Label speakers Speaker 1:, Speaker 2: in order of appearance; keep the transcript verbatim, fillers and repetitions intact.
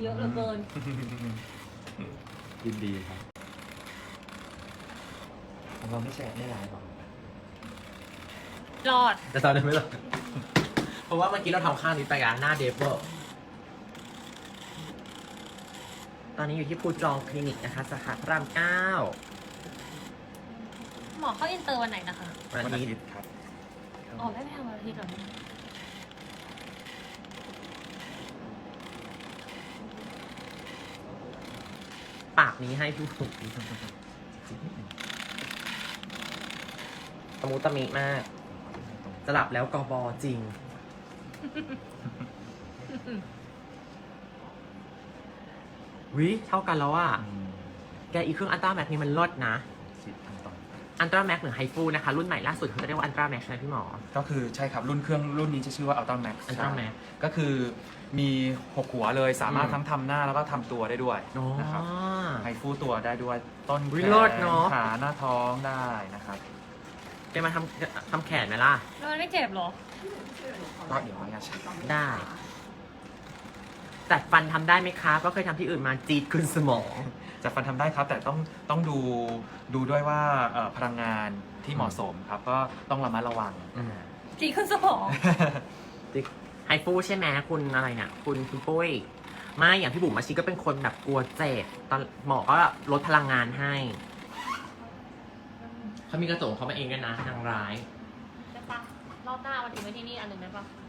Speaker 1: เยอะเหลือเกิน
Speaker 2: ยินดีครับของเราไม่แชร์ไม่ไลฟ์หรอ
Speaker 1: รอด
Speaker 3: จะตอนนี้ไม่หรอกเพราะว่าเมื่อกี้เราทำข้างนี้ไปกันหน้าเดฟเวอร์ตอนนี้อยู่ที่ภูจองคลินิกนะคะสาขาพระรามเก้า
Speaker 1: หมอเข้าอินเตอร์วันไหนนะคะ
Speaker 3: วัน
Speaker 2: วันอา
Speaker 3: นี้
Speaker 2: ทิตย์ครับ
Speaker 1: อ๋อไม่ไปทำวันอาทิตย์เหรอ
Speaker 3: ปากนี้ให้พี่ถูกตะมุตะมิมากสลับแล้วกบจริง วิเท่ากันแล้วอ่ะ แกอีเครื่องอันตราแม็กนี่มันลดนะ
Speaker 2: สิบขั้นตอน
Speaker 3: อันตราแม็กหรือไฮฟูนะคะ รุ่นใหม่ล่าสุดเขาจะเรียกว่าอันตราแม็กใช่ไหมพี่หมอ
Speaker 2: ก็คือใช่ครับรุ่นเครื่องรุ่นนี้จะชื่อว่า Ultra Max
Speaker 3: Ultra Max
Speaker 2: ก็คือมีหกหัวเลยสามารถ
Speaker 3: อืม
Speaker 2: ทั้งทำหน้าแล้วก็ทำตัวได้ด้วย
Speaker 3: อ๋อ
Speaker 2: นะครับไฮฟูตัวได้ด้วยต้น
Speaker 3: วิ
Speaker 2: แข
Speaker 3: โรจ
Speaker 2: น
Speaker 3: น์เนอะ
Speaker 2: ขาหน้าท้องได้นะครับ
Speaker 3: แกมาทำทำแขนไหมล่ะ
Speaker 1: แล้วมันไม่เจ็บเหรอ
Speaker 2: ก็เดี๋ยวไม่ใช่
Speaker 3: ได้จัดฟันทำได้ไหมคะก็เคยทำที่อื่นมาจีดขึ้นสมอง
Speaker 2: จัดฟันทำได้ครับ แต่ต้องต้องดูดูด้วยว่าเอ่อพลังงานที่เหมาะสมครับ ก็ต้องระมัดระวัง
Speaker 3: อืม
Speaker 1: จีขึ้นสมอง
Speaker 3: ไฮฟูใช่ไหมคุณอะไรเนี่ยคุณคุณปุ้ยไม่อย่างพี่บุ๋มอาชีก็เป็นคนแบบกลัวเจ็บตอนหมอก็ลดพลังงานให้เขามีกระจกเขามาเองด้วยนะนางร้าย
Speaker 1: ได้ปะรอบหน้าวันถึงไว้ที่นี่อันหนึ่งได้ปะ